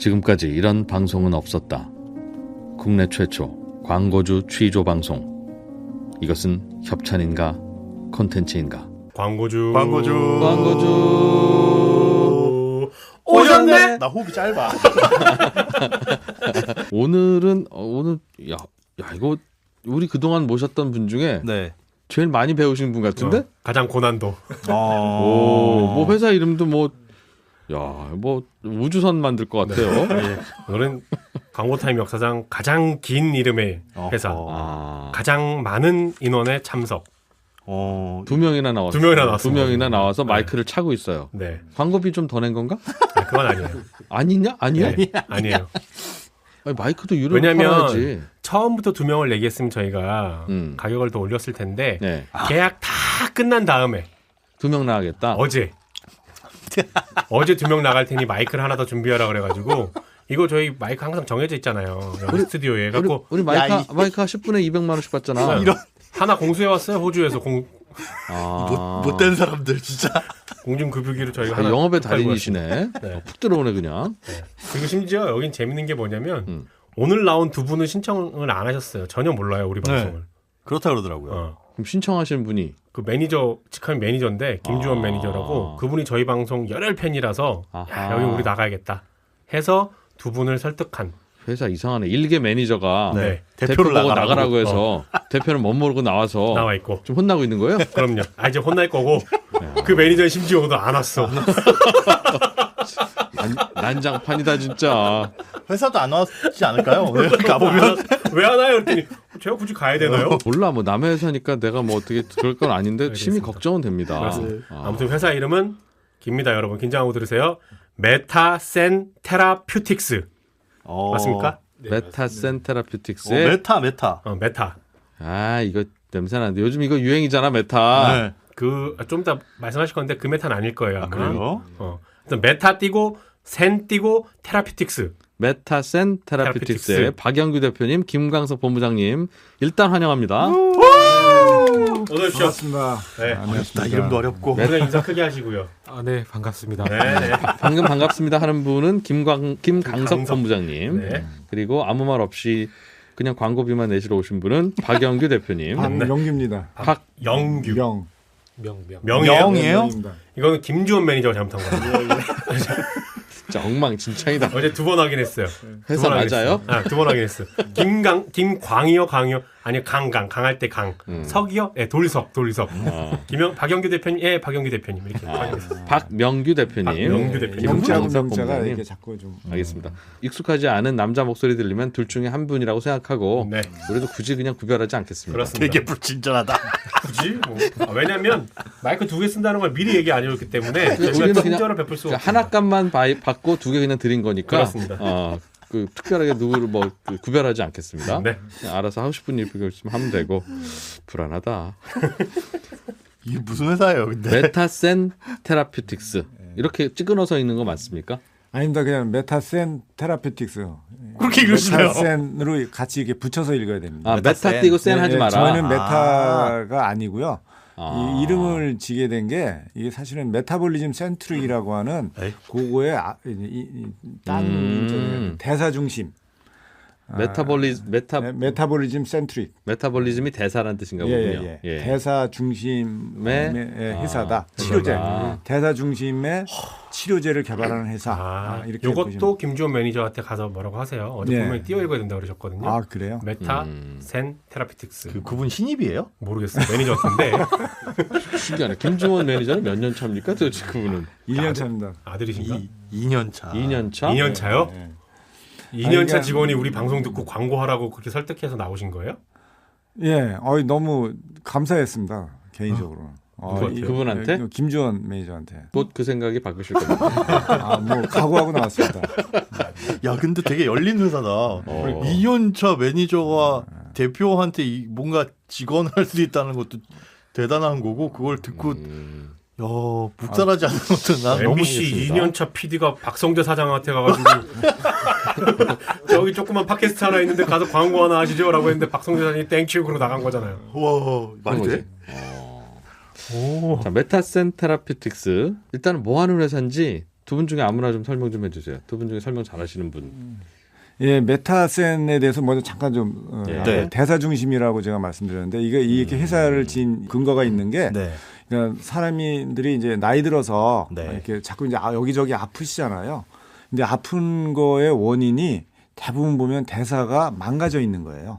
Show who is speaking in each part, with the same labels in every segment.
Speaker 1: 지금까지 이런 방송은 없었다. 국내 최초 광고주 취조 방송. 이것은 협찬인가 콘텐츠인가?
Speaker 2: 광고주 오셨네.
Speaker 3: 나 호흡이 짧아.
Speaker 1: 오늘 이거 우리 그동안 모셨던 분 중에
Speaker 3: 네.
Speaker 1: 제일 많이 배우신 분 같은데?
Speaker 2: 가장 고난도.
Speaker 1: 뭐 회사 이름도 뭐 우주선 만들 것 같아요.
Speaker 2: 예. 오늘은 광고타임 역사상 가장 긴 이름의 회사, 가장 많은 인원의 참석.
Speaker 1: 두 명이나 나왔어요. 두 명이나 나와서 마이크를 차고 있어요.
Speaker 2: 네.
Speaker 1: 광고비 좀 더 낸 건가?
Speaker 2: 그건 아니에요.
Speaker 1: 아니냐? 아니야?
Speaker 2: 네, 아니에요.
Speaker 1: 아니, 마이크도 유료
Speaker 2: 왜냐면
Speaker 1: 팔아야지.
Speaker 2: 처음부터 2명을 얘기했으면 저희가 가격을 더 올렸을 텐데
Speaker 1: 네.
Speaker 2: 계약 다 끝난 다음에
Speaker 1: 2명 나가겠다.
Speaker 2: 어제 2명 나갈 테니 마이크를 하나 더 준비하라 그래가지고 이거 저희 마이크 항상 정해져 있잖아요. 여기 스튜디오에 갖고
Speaker 1: 우리 마이크 10분에 200만 원씩 받잖아.
Speaker 2: 하나 공수해 왔어요. 호주에서
Speaker 3: 못된 사람들 진짜.
Speaker 2: 공중급유기로 저희가 하나
Speaker 1: 영업의
Speaker 2: 팔고
Speaker 1: 달인이시네.
Speaker 2: 네.
Speaker 1: 푹 들어오네 그냥.
Speaker 2: 네. 그리고 심지어 여긴 재밌는 게 뭐냐면 오늘 나온 두 분은 신청을 안 하셨어요. 전혀 몰라요 우리 방송을.
Speaker 3: 그렇다 그러더라고요.
Speaker 1: 그럼 신청하신 분이
Speaker 2: 그 매니저 직함이 매니저인데 김주원 매니저라고 그분이 저희 방송 열혈 팬이라서 야, 여기 우리 나가야겠다 해서 두 분을 설득한.
Speaker 1: 회사 이상하네. 일개 매니저가
Speaker 2: 네.
Speaker 1: 대표를 보고 나가라고 해서 대표는 못 모르고 나와서
Speaker 2: 나와 있고
Speaker 1: 좀 혼나고 있는 거예요?
Speaker 2: 그럼요. 이제 혼날 거고 그 매니저는 심지어 오늘 안 왔어.
Speaker 1: 난장판이다 진짜.
Speaker 3: 회사도 안 왔지 않을까요? 가보면
Speaker 2: 왜 안 와요? 그랬더니 제가 굳이 가야 되나요?
Speaker 1: 몰라 뭐 남의 회사니까 내가 뭐 어떻게 그럴 건 아닌데
Speaker 2: 알겠습니다.
Speaker 1: 심히 걱정은 됩니다.
Speaker 2: 아무튼 회사 이름은 깁니다 여러분. 긴장하고 들으세요. 메타센 테라퓨틱스 맞습니까?
Speaker 1: 메타센 테라퓨틱스의
Speaker 3: 메타.
Speaker 2: 메타.
Speaker 1: 아 이거 냄새나는데 요즘 이거 유행이잖아 메타.
Speaker 3: 네.
Speaker 2: 그 좀 이따 말씀하실 건데 그 메타는 아닐 거예요. 아마.
Speaker 3: 그래요?
Speaker 2: 일단 메타 띄고 센 띄고 테라퓨틱스.
Speaker 1: 메타센 테라퓨틱스의 박영규 대표님, 김광석 본부장님 일단 환영합니다.
Speaker 2: 어서 오십시오.
Speaker 4: 반갑습니다.
Speaker 2: 네.
Speaker 3: 어렵다. 이름도 어렵고.
Speaker 2: 그냥 인사 크게 하시고요.
Speaker 5: 네, 반갑습니다.
Speaker 2: 네.
Speaker 1: 방금 반갑습니다 하는 분은 김강석 본부장님.
Speaker 2: 네.
Speaker 1: 그리고 아무 말 없이 그냥 광고비만 내시러 오신 분은 박영규 대표님.
Speaker 4: 박명규입니다.
Speaker 2: 영규.
Speaker 4: 명.
Speaker 2: 명이에요?
Speaker 4: 명입니다.
Speaker 2: 이거는 김주원 매니저가 잘못한 거예요.
Speaker 1: 진짜 엉망진창이다.
Speaker 2: 어제 2번 확인했어요.
Speaker 1: 회사 맞아요?
Speaker 2: 2번 확인했어요. 김광이요, 강이요? 아니요, 강할 때 강. 석이요? 네, 돌석. 박영규 대표님, 예, 박영규 대표님 이렇게 확인했어요.
Speaker 1: 박명규 대표님.
Speaker 2: 박명규 대표님.
Speaker 4: 명자하고
Speaker 1: 김광석
Speaker 4: 명자가
Speaker 1: 본부장님.
Speaker 4: 이렇게 자꾸 좀.
Speaker 1: 알겠습니다. 익숙하지 않은 남자 목소리 들리면 둘 중에 한 분이라고 생각하고
Speaker 2: 네.
Speaker 1: 우리도 굳이 그냥 구별하지 않겠습니다.
Speaker 2: 그렇습니다.
Speaker 3: 되게 불친절하다.
Speaker 2: 굳이? 뭐. 왜냐면 마이크 2개 쓴다는 걸 미리 얘기 안 해줬기 때문에
Speaker 1: 우리는
Speaker 2: 저희가
Speaker 1: 그냥
Speaker 2: 친절을 베풀 수 없어요.
Speaker 1: 하나값만 받고 2개 그냥 드린 거니까
Speaker 2: 그렇습니다.
Speaker 1: 그 특별하게 누구를 구별하지 않겠습니다.
Speaker 2: 네.
Speaker 1: 그냥 알아서 하고 싶은 일 하면 되고 불안하다.
Speaker 3: 이게 무슨 회사예요, 근데?
Speaker 1: 메타센 테라퓨틱스 이렇게 찍어넣어서 있는 거 맞습니까?
Speaker 4: 아닙니다. 그냥 메타센 테라퓨틱스.
Speaker 3: 그렇게 읽으시네요.
Speaker 4: 메타센으로 같이 이렇게 붙여서 읽어야 됩니다.
Speaker 1: 아, 메타 띄고 센 하지 마라.
Speaker 4: 저희는 메타가 아니고요.
Speaker 1: 아.
Speaker 4: 이 이름을 지게 된 게 이게 사실은 메타볼리즘 센트릭이라고 하는 그거의 딴 대사 중심. 메타볼리즘 센트릭.
Speaker 1: 메타볼리즘이 대사라는 뜻인가 보군요. 예.
Speaker 4: 대사 중심의 회사다. 치료제. 대사 중심의 치료제를 개발하는 회사. 이렇게
Speaker 2: 이것도
Speaker 4: 보시면.
Speaker 2: 김주원 매니저한테 가서 뭐라고 하세요. 어제
Speaker 4: 네.
Speaker 2: 분명히 띄워 읽어야 된다고 그러셨거든요.
Speaker 4: 아 그래요?
Speaker 2: 메타 센 테라피틱스.
Speaker 3: 그분 신입이에요?
Speaker 2: 모르겠어요. 매니저 같은데
Speaker 1: 신기하네. 김주원 매니저는 몇 년 차입니까? 도대체 그분은
Speaker 4: 1년 차입니다.
Speaker 2: 아들이신가?
Speaker 3: 2년 차.
Speaker 1: 2년 차?
Speaker 2: 2년 차요?
Speaker 4: 네.
Speaker 2: 2년 차
Speaker 4: 아니,
Speaker 2: 직원이 우리 방송 듣고 광고하라고 그렇게 설득해서 나오신 거예요?
Speaker 4: 예, 너무 감사했습니다 개인적으로.
Speaker 1: 그분한테?
Speaker 4: 김주원 매니저한테.
Speaker 1: 곧 그 생각이 바뀌실 겁니다.
Speaker 4: 뭐 각오하고 나왔습니다.
Speaker 3: 야, 근데 되게 열린 회사다. 2년 차 매니저가 대표한테 뭔가 직원할 수 있다는 것도 대단한 거고 그걸 듣고 야, 묵살하지 않는 것도 난 너무
Speaker 2: MBC 2년차 PD가 박성재 사장한테 가가지고 저기 조그만 팟캐스트 하나 있는데 가서 광고 하나 하시죠 라고 했는데 박성재 사장이 땡큐 그러고 나간 거잖아요.
Speaker 3: 와, 말이 돼?
Speaker 1: 자, 메타센 테라퓨틱스 일단은 뭐 하는 회사인지 두 분 중에 아무나 좀 설명 좀 해주세요. 두 분 중에 설명 잘하시는 분.
Speaker 4: 예, 메타센에 대해서 먼저 잠깐 좀
Speaker 3: 네.
Speaker 4: 대사 중심이라고 제가 말씀드렸는데 이렇게 회사를 지은 근거가 있는 게
Speaker 3: 네.
Speaker 4: 그러니까 사람들이 이제 나이 들어서
Speaker 3: 네.
Speaker 4: 이렇게 자꾸 이제 여기저기 아프시잖아요. 근데 아픈 거의 원인이 대부분 보면 대사가 망가져 있는 거예요.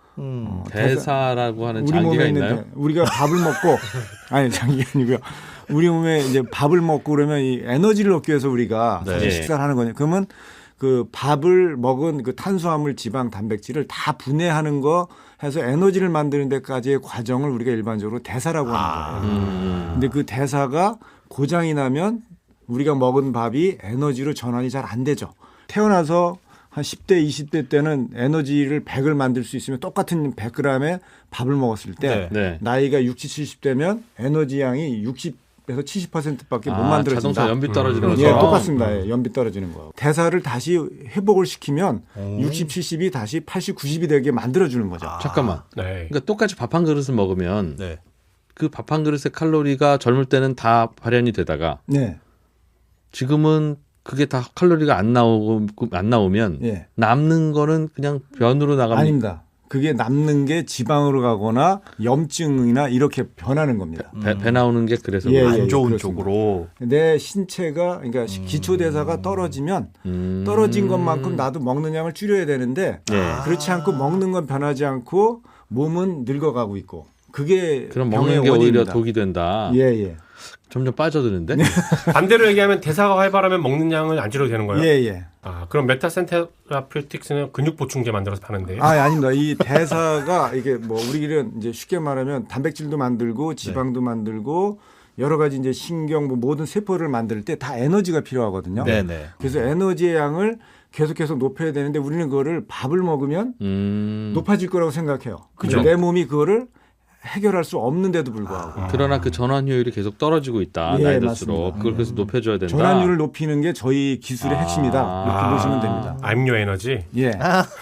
Speaker 1: 대사라고 하는
Speaker 4: 우리
Speaker 1: 장기가
Speaker 4: 몸에
Speaker 1: 있나요?
Speaker 4: 있는데 우리가 밥을 먹고 아니 장기가 아니고요. 우리 몸에 이제 밥을 먹고 그러면 이 에너지를 얻기 위해서 우리가
Speaker 3: 네.
Speaker 4: 사실 식사를 하는 거냐. 그러면 그 밥을 먹은 그 탄수화물, 지방, 단백질을 다 분해하는 거 해서 에너지를 만드는 데까지의 과정을 우리가 일반적으로 대사라고 하는 거예요. 근데 그 대사가 고장이 나면 우리가 먹은 밥이 에너지로 전환이 잘 안 되죠. 태어나서 한 10대, 20대 때는 에너지를 100을 만들 수 있으면 똑같은 100g의 밥을 먹었을 때
Speaker 1: 네.
Speaker 4: 나이가 60, 70대면 에너지 양이 60에서 70%밖에 못 만들어진다.
Speaker 1: 자동차 연비 떨어지는
Speaker 4: 예,
Speaker 1: 것처럼.
Speaker 4: 똑같습니다. 예, 연비 떨어지는 거. 대사를 다시 회복을 시키면 60, 70이 다시 80, 90이 되게 만들어주는 거죠.
Speaker 1: 잠깐만.
Speaker 2: 네.
Speaker 1: 그러니까 똑같이 밥 한 그릇을 먹으면
Speaker 3: 네.
Speaker 1: 그 밥 한 그릇의 칼로리가 젊을 때는 다 발현이 되다가
Speaker 4: 네.
Speaker 1: 지금은 그게 다 칼로리가 안 나오면
Speaker 4: 예.
Speaker 1: 남는 거는 그냥 변으로 나갑니다.
Speaker 4: 아닙니다. 그게 남는 게 지방으로 가거나 염증이나 이렇게 변하는 겁니다.
Speaker 1: 배 나오는 게 그래서
Speaker 4: 예,
Speaker 1: 그래요.
Speaker 3: 안 좋은
Speaker 4: 그렇습니다.
Speaker 3: 쪽으로.
Speaker 4: 내 신체가 그러니까 기초 대사가 떨어지면 떨어진 것만큼 나도 먹는 양을 줄여야 되는데
Speaker 1: 예.
Speaker 4: 그렇지 않고 먹는 건 변하지 않고 몸은 늙어가고 있고 그게
Speaker 1: 그럼
Speaker 4: 병의
Speaker 1: 먹는 게 오히려
Speaker 4: 원인입니다.
Speaker 1: 독이 된다.
Speaker 4: 예, 예.
Speaker 1: 점점 빠져드는데.
Speaker 2: 반대로 얘기하면 대사가 활발하면 먹는 양을 안 줄여도 되는 거예요?
Speaker 4: 예, 예.
Speaker 2: 아, 그럼 메타센 테라퓨틱스는 근육 보충제 만들어서 파는데요?
Speaker 4: 아닙니다. 이 대사가 이게 뭐 우리는 이제 쉽게 말하면 단백질도 만들고 지방도 만들고 여러 가지 이제 신경 뭐 모든 세포를 만들 때 다 에너지가 필요하거든요.
Speaker 3: 네네.
Speaker 4: 그래서 에너지의 양을 계속 높여야 되는데 우리는 그거를 밥을 먹으면 높아질 거라고 생각해요.
Speaker 1: 그죠.
Speaker 4: 내 몸이 그거를 해결할 수 없는데도 불구하고
Speaker 1: 그러나 그 전환 효율이 계속 떨어지고 있다.
Speaker 4: 예,
Speaker 1: 나이 들수록.
Speaker 4: 맞습니다.
Speaker 1: 그걸 그래서 높여줘야 된다.
Speaker 4: 전환율을 높이는 게 저희 기술의
Speaker 1: 아.
Speaker 4: 핵심이다. 이렇게 보시면 됩니다.
Speaker 2: 암료 에너지?
Speaker 4: 예.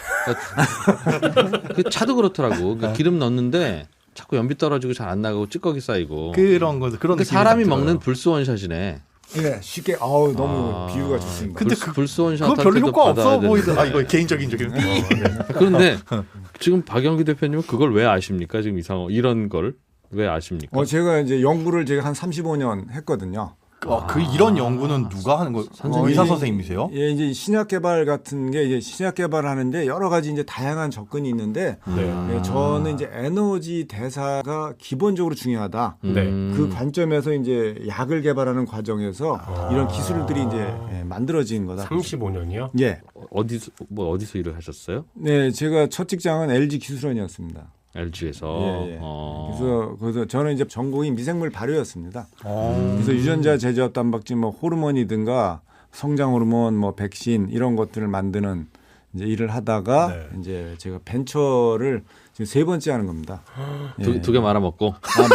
Speaker 1: 그 차도 그렇더라고. 그 기름 넣는데 자꾸 연비 떨어지고 잘 안 나가고 찌꺼기 쌓이고.
Speaker 3: 그런 거 그런
Speaker 1: 그
Speaker 3: 느낌이
Speaker 1: 사람이
Speaker 3: 딱 들어요.
Speaker 1: 먹는 불스 원샷이네.
Speaker 4: 예, 쉽게 너무 비유가 좋습니다.
Speaker 3: 근데
Speaker 1: 불스 원샷
Speaker 3: 그거 별로 효과 없어
Speaker 1: 되는데.
Speaker 3: 보이더라. 이거 개인적인 적인.
Speaker 1: 그런데 지금 박영규 대표님은 그걸 왜 아십니까? 지금 이런 걸 왜 아십니까?
Speaker 4: 제가 이제 연구를 제가 한 35년 했거든요.
Speaker 3: 그 이런 연구는 누가 하는 거? 의사 선생님이세요?
Speaker 4: 예, 이제 신약 개발 같은 게 이제 신약 개발을 하는데 여러 가지 이제 다양한 접근이 있는데 예, 저는 이제 에너지 대사가 기본적으로 중요하다.
Speaker 2: 네.
Speaker 4: 그 관점에서 이제 약을 개발하는 과정에서 이런 기술들이 이제 만들어진 거다.
Speaker 2: 35년이요?
Speaker 4: 예.
Speaker 1: 어디서 일을 하셨어요?
Speaker 4: 네, 제가 첫 직장은 LG 기술원이었습니다.
Speaker 1: LG에서.
Speaker 4: 예, 예. 그래서 저는 이제 전공이 미생물 발효였습니다. 그래서 유전자 제조합 단백질 뭐 호르몬이든가 성장 호르몬 뭐 백신 이런 것들을 만드는 이제 일을 하다가 이제 제가 벤처를 지금 3번째 하는 겁니다.
Speaker 1: 두 개 말아 먹고.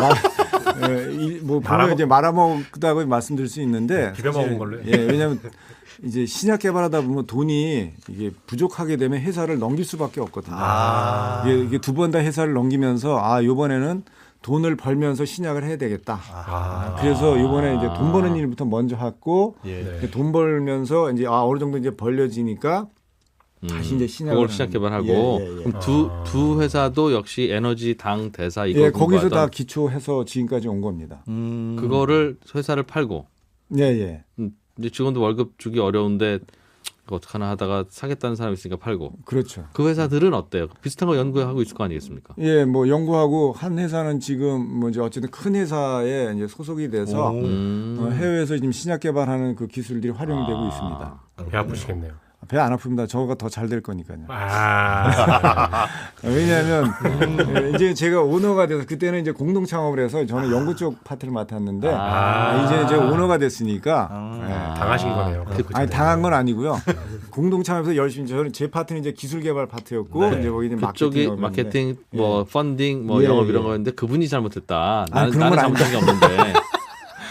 Speaker 4: 뭐 보면 이제 말아먹다고 말씀드릴 수 있는데
Speaker 2: 비벼 먹은 걸로.
Speaker 4: 예, 왜냐하면 이제 신약 개발하다 보면 돈이 이게 부족하게 되면 회사를 넘길 수밖에 없거든요. 이게 두 번 다 회사를 넘기면서 이번에는 돈을 벌면서 신약을 해야 되겠다. 그래서 이번에 이제 돈 버는 일부터 먼저 했고 돈 벌면서 이제 어느 정도 이제 벌려지니까 다시 이제 신약을
Speaker 1: 그걸 시작 개발하고 그럼 두 회사도 역시 에너지 당 대사 이거
Speaker 4: 거기서 다
Speaker 1: 공부하던
Speaker 4: 기초해서 지금까지 온 겁니다.
Speaker 1: 그거를 회사를 팔고
Speaker 4: 예.
Speaker 1: 이제 직원도 월급 주기 어려운데 그거 어떡하나 하다가 사겠다는 사람이 있으니까 팔고.
Speaker 4: 그렇죠.
Speaker 1: 그 회사들은 어때요? 비슷한 거 연구하고 있을 거 아니겠습니까?
Speaker 4: 예, 뭐 연구하고 한 회사는 지금 뭐 이제 어쨌든 큰 회사에 이제 소속이 돼서 해외에서 지금 신약 개발하는 그 기술들이 활용되고 있습니다.
Speaker 2: 배 아프시겠네요.
Speaker 4: 배 안 아픕니다. 저가 더 잘 될 거니까요.
Speaker 2: 아.
Speaker 4: 왜냐하면 이제 제가 오너가 돼서 그때는 이제 공동 창업을 해서 저는 연구 쪽 파트를 맡았는데 이제 제가 오너가 됐으니까
Speaker 2: 당하신 거네요.
Speaker 4: 아니 당한 건 아니고요. 공동 창업에서 열심히 저는 제 파트는 이제 기술 개발 파트였고 이제 거기 이제
Speaker 1: 그쪽이 마케팅, 뭐 펀딩, 뭐
Speaker 4: 예,
Speaker 1: 영업 이런
Speaker 4: 예.
Speaker 1: 거였는데 그분이 잘못했다.
Speaker 4: 그런 건
Speaker 1: 나는 잘못한 게 없는데.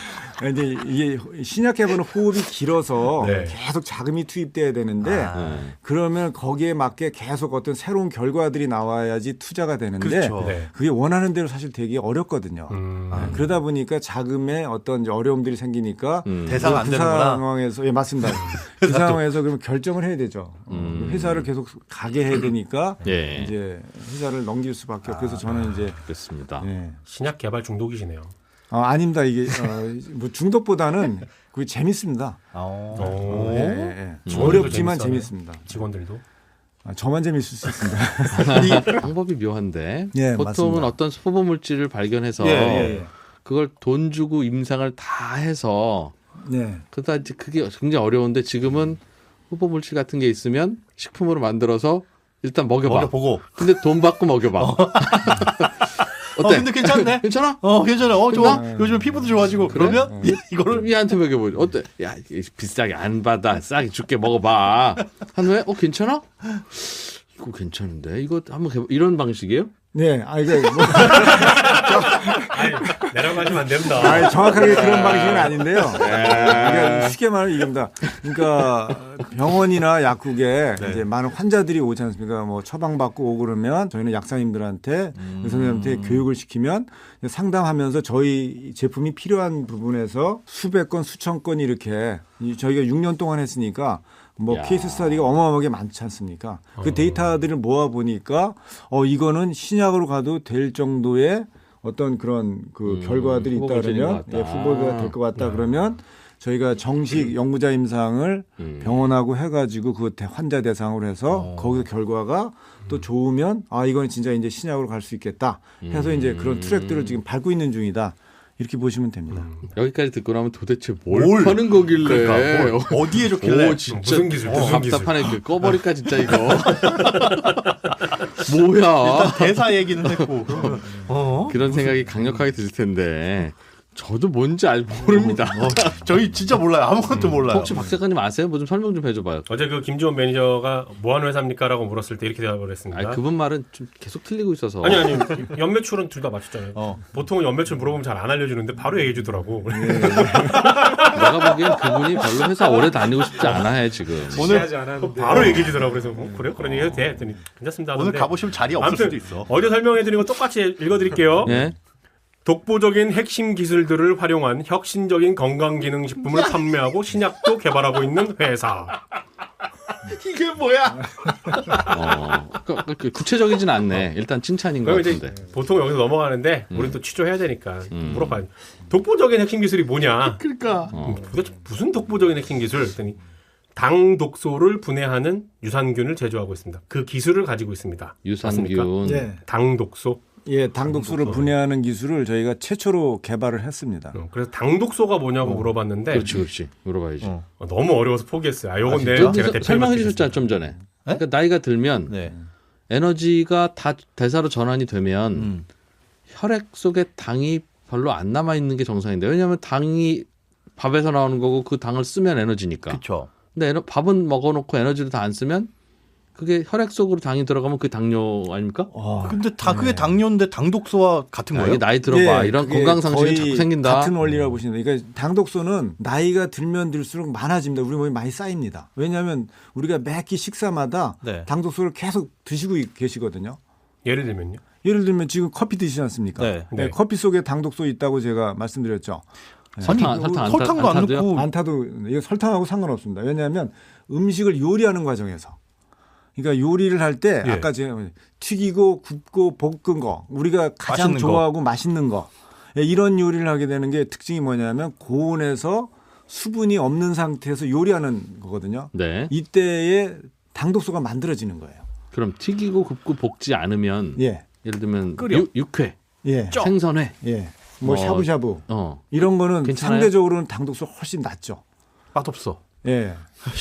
Speaker 4: 이제 이게 신약 개발은 호흡이 길어서
Speaker 2: 네.
Speaker 4: 계속 자금이 투입돼야 되는데 그러면 거기에 맞게 계속 어떤 새로운 결과들이 나와야지 투자가 되는데
Speaker 3: 그렇죠.
Speaker 2: 네.
Speaker 4: 그게 원하는 대로 사실 되기 어렵거든요. 그러다 보니까 자금에 어떤 이제 어려움들이 생기니까
Speaker 3: 대사가 안
Speaker 4: 그
Speaker 3: 되는구나.
Speaker 4: 상황에서 예 맞습니다. 그 상황에서 그러면 결정을 해야 되죠. 회사를 계속 가게 해야 되니까
Speaker 1: 예.
Speaker 4: 이제 회사를 넘길 수밖에 없고 그래서 저는 이제
Speaker 1: 그렇습니다.
Speaker 4: 예.
Speaker 2: 신약 개발 중독이시네요.
Speaker 4: 아닙니다. 이게 뭐 중독보다는 그게 재밌습니다.
Speaker 2: 오.
Speaker 4: 예, 예, 예.
Speaker 2: 직원들도
Speaker 4: 어렵지만
Speaker 2: 재밌어요?
Speaker 4: 재밌습니다.
Speaker 2: 직원들도.
Speaker 4: 저만 재밌을 수 있습니다.
Speaker 1: 이 방법이 묘한데
Speaker 4: 예,
Speaker 1: 보통은
Speaker 4: 맞습니다.
Speaker 1: 어떤 소보 물질을 발견해서
Speaker 4: 예.
Speaker 1: 그걸 돈 주고 임상을 다 해서
Speaker 4: 네.
Speaker 1: 그러다 이제 그게 굉장히 어려운데 지금은 후보 물질 같은 게 있으면 식품으로 만들어서 일단 먹여봐.
Speaker 3: 먹여보고.
Speaker 1: 근데 돈 받고 먹여봐. 어때?
Speaker 3: 근데 괜찮네.
Speaker 1: 괜찮아?
Speaker 3: 괜찮아. 좋아.
Speaker 4: 괜찮아?
Speaker 3: 요즘 피부도 좋아지고
Speaker 1: 그래?
Speaker 3: 그러면 이거를
Speaker 1: 얘한테 먹여보지. 어때? 야 이게 비싸게 안 받아. 싸게 줄게 먹어봐. 한 후에 괜찮아? 이거 괜찮은데 이거 한번 해봐. 이런 방식이에요?
Speaker 4: 네. 이게 뭐
Speaker 2: 아니, 내려가시면 안 됩니다.
Speaker 4: 정확하게 그런 방식은 아닌데요. 그러니까 쉽게 말하면 이겁니다. 그러니까 병원이나 약국에 이제 많은 환자들이 오지 않습니까? 뭐 처방받고 오고 그러면 저희는 약사님들한테 의사님한테 교육을 시키면 상담하면서 저희 제품이 필요한 부분에서 수백 건, 수천 건 이렇게 저희가 6년 동안 했으니까 뭐
Speaker 1: 야.
Speaker 4: 케이스 스터디가 어마어마하게 많지 않습니까? 그 데이터들을 모아 보니까 이거는 신약으로 가도 될 정도의 어떤 그런 그 결과들이 있다
Speaker 1: 후보가
Speaker 4: 그러면
Speaker 1: 될 것 같다.
Speaker 4: 후보가 될 것 같다 그러면 저희가 정식 연구자 임상을 병원하고 해가지고 그 환자 대상으로 해서 거기서 결과가 또 좋으면 이건 진짜 이제 신약으로 갈 수 있겠다 해서 이제 그런 트랙들을 지금 밟고 있는 중이다. 이렇게 보시면 됩니다.
Speaker 1: 여기까지 듣고 나면 도대체 뭘 파는 거길래?
Speaker 3: 그러니까 어디에 좋길래?
Speaker 1: 오 진짜
Speaker 2: 무슨 기술, 무슨 기술.
Speaker 1: 답답하네. 그 꺼버릴까 진짜 이거. 뭐야?
Speaker 3: 일단 대사 얘기는 했고.
Speaker 1: 그런 생각이 강력하게 드실 텐데 저도 뭔지 모릅니다.
Speaker 3: 저희 진짜 몰라요. 아무것도 몰라요.
Speaker 1: 혹시 박 작가님 아세요? 뭐 좀 설명 좀 해줘봐요.
Speaker 2: 어제 그 김지원 매니저가 뭐 하는 회사입니까라고 물었을 때 이렇게 대답을 했습니다.
Speaker 1: 아니, 그분 말은 좀 계속 틀리고 있어서.
Speaker 2: 아니 연매출은 둘 다 맞췄잖아요. 보통은 연매출 물어보면 잘 안 알려주는데 바로 얘기해 주더라고.
Speaker 1: 내가 보기엔 그분이 별로 회사 오래 다니고 싶지 않아 해 지금.
Speaker 2: 오늘 바로 얘기해 주더라고. 그래서 그래요? 그런 얘기 해도 돼? 했더니 괜찮습니다.
Speaker 3: 오늘
Speaker 2: 하던데.
Speaker 3: 가보시면 자리 없을
Speaker 2: 아무튼
Speaker 3: 수도 있어.
Speaker 2: 어제 설명해 드린 거 똑같이 읽어드릴게요.
Speaker 1: 예?
Speaker 2: 독보적인 핵심 기술들을 활용한 혁신적인 건강기능식품을 판매하고 신약도 개발하고 있는 회사.
Speaker 3: 이게 뭐야?
Speaker 1: 구체적이진 않네. 일단 칭찬인 것
Speaker 2: 그럼 이제
Speaker 1: 같은데.
Speaker 2: 보통 여기서 넘어가는데 우리는 또 취조해야 되니까 물어봐요. 독보적인 핵심 기술이 뭐냐?
Speaker 3: 그러니까.
Speaker 2: 도대체 무슨 독보적인 핵심 기술? 했더니 당 독소를 분해하는 유산균을 제조하고 있습니다. 그 기술을 가지고 있습니다. 맞습니까?
Speaker 1: 유산균.
Speaker 4: 예.
Speaker 2: 당 독소.
Speaker 4: 예, 당독소를 분해하는 기술을 저희가 최초로 개발을 했습니다.
Speaker 2: 그래서 당 독소가 뭐냐고 물어봤는데
Speaker 1: 그렇지. 물어봐야지.
Speaker 2: 너무 어려워서 포기했어요. 요건 내
Speaker 1: 좀
Speaker 2: 제가 대표님한테
Speaker 1: 설명해 주셨잖아
Speaker 2: 드리겠습니다.
Speaker 1: 좀 전에. 그러니까 나이가 들면
Speaker 3: 네.
Speaker 1: 에너지가 다 대사로 전환이 되면 혈액 속에 당이 별로 안 남아 있는 게 정상인데 왜냐하면 당이 밥에서 나오는 거고 그 당을 쓰면 에너지니까.
Speaker 3: 그렇죠.
Speaker 1: 근데 밥은 먹어놓고 에너지를 다 안 쓰면 그게 혈액 속으로 당이 들어가면 그게 당뇨 아닙니까?
Speaker 3: 근데 그게 당뇨인데 당독소와 같은
Speaker 1: 이게
Speaker 3: 거예요?
Speaker 1: 나이 들어봐.
Speaker 4: 예,
Speaker 1: 이런
Speaker 4: 그게
Speaker 1: 건강 상실이
Speaker 4: 거의
Speaker 1: 자꾸 생긴다.
Speaker 4: 같은 원리라고 보시면 돼요. 그러니까 당독소는 나이가 들면 들수록 많아집니다. 우리 몸에 많이 쌓입니다. 왜냐하면 우리가 매끼 식사마다
Speaker 3: 네.
Speaker 4: 당독소를 계속 드시고 계시거든요.
Speaker 2: 예를 들면요.
Speaker 4: 예를 들면 지금 커피 드시지 않습니까?
Speaker 3: 네.
Speaker 2: 네.
Speaker 4: 커피 속에 당독소 있다고 제가 말씀드렸죠.
Speaker 3: 설탕도 안
Speaker 1: 타도요?
Speaker 3: 넣고
Speaker 4: 안 타도 이거 설탕하고 상관없습니다. 왜냐하면 음식을 요리하는 과정에서 그러니까 요리를 할 때
Speaker 3: 예.
Speaker 4: 아까 제가 튀기고 굽고 볶은 거 우리가 가장
Speaker 3: 맛있는
Speaker 4: 좋아하고 맛있는 거 이런 요리를 하게 되는 게 특징이 뭐냐면 고온에서 수분이 없는 상태에서 요리하는 거거든요.
Speaker 1: 네.
Speaker 4: 이때에 당독소가 만들어지는 거예요.
Speaker 1: 그럼 튀기고 굽고 볶지 않으면
Speaker 4: 예,
Speaker 1: 예를 들면
Speaker 3: 끓여.
Speaker 1: 육회,
Speaker 4: 예,
Speaker 1: 생선회.
Speaker 4: 예. 뭐 샤브샤브 이런 거는
Speaker 1: 괜찮아요?
Speaker 4: 상대적으로는 당독소 훨씬 낮죠.
Speaker 3: 맛없어.
Speaker 4: 예.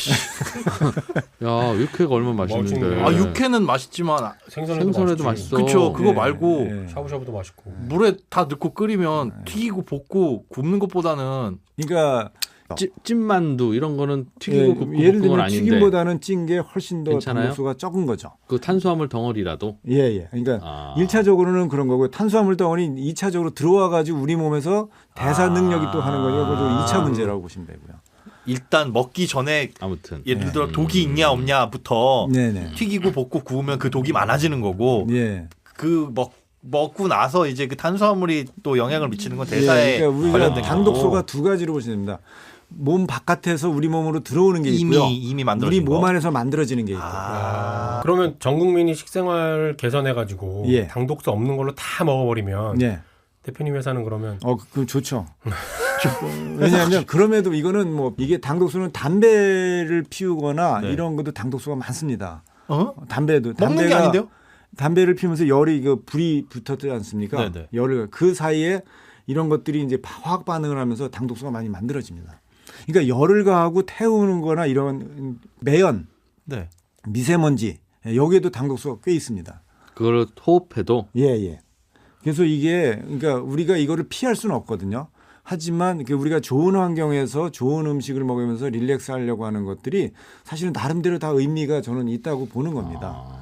Speaker 1: 야 육회가 얼마나 맛있는데.
Speaker 2: 네.
Speaker 3: 육회는 맛있지만
Speaker 1: 생선회도 맛있어.
Speaker 3: 그쵸. 그거
Speaker 4: 예,
Speaker 3: 말고
Speaker 4: 예.
Speaker 2: 샤브샤브도 맛있고.
Speaker 3: 물에 다 넣고 끓이면 튀기고 볶고 굽는 것보다는
Speaker 4: 그러니까
Speaker 1: 찐만두 이런 거는 튀기고 굽고
Speaker 4: 예를
Speaker 1: 볶은 건
Speaker 4: 들면
Speaker 1: 아닌데
Speaker 4: 튀김보다는 찐 게 훨씬 더
Speaker 1: 괜찮아요?
Speaker 4: 단독수가 적은 거죠.
Speaker 1: 그 탄수화물 덩어리라도
Speaker 4: 예. 그러니까 1차적으로는 그런 거고요. 탄수화물 덩어리 2차적으로 들어와 가지고 우리 몸에서 대사 능력이 또 하는 거니까 그것도 2차 문제라고 보시면 되고요.
Speaker 3: 일단 먹기 전에
Speaker 1: 아무튼
Speaker 3: 예를 들어 독이 있냐 없냐부터
Speaker 4: 네네.
Speaker 3: 튀기고 볶고 구우면 그 독이 많아지는 거고
Speaker 4: 예.
Speaker 3: 그 먹고 나서 이제 그 탄수화물이 또 영향을 미치는 건 대사에
Speaker 4: 그러니까 우리가
Speaker 3: 관련된
Speaker 4: 당독소가
Speaker 3: 거고.
Speaker 4: 두 가지로 보시면 됩니다. 몸 바깥에서 우리 몸으로 들어오는 게 있고요.
Speaker 3: 이미 만들어진
Speaker 4: 우리 몸
Speaker 3: 거.
Speaker 4: 안에서 만들어지는 게 있고.
Speaker 2: 그러면 전 국민이 식생활 개선해가지고
Speaker 4: 예.
Speaker 2: 당독소 없는 걸로 다 먹어버리면
Speaker 4: 예.
Speaker 2: 대표님 회사는 그러면
Speaker 4: 그럼 좋죠. 왜냐하면 그럼에도 이거는 뭐 이게 당독소는 담배를 피우거나
Speaker 3: 네.
Speaker 4: 이런 것도 당독소가 많습니다.
Speaker 3: 먹는 게
Speaker 4: 담배가
Speaker 3: 아닌데요?
Speaker 4: 담배를 피우면서 열이 불이 붙었지 않습니까?
Speaker 3: 네네.
Speaker 4: 열을 그 사이에 이런 것들이 이제 화학 반응을 하면서 당독소가 많이 만들어집니다. 그러니까 열을 가하고 태우는거나 이런 매연,
Speaker 3: 네.
Speaker 4: 미세먼지 여기에도 당독소가 꽤 있습니다.
Speaker 1: 그걸 호흡해도
Speaker 4: 예. 그래서 이게 그러니까 우리가 이거를 피할 수는 없거든요. 하지만 우리가 좋은 환경에서 좋은 음식을 먹으면서 릴렉스 하려고 하는 것들이 사실은 나름대로 다 의미가 저는 있다고 보는 겁니다.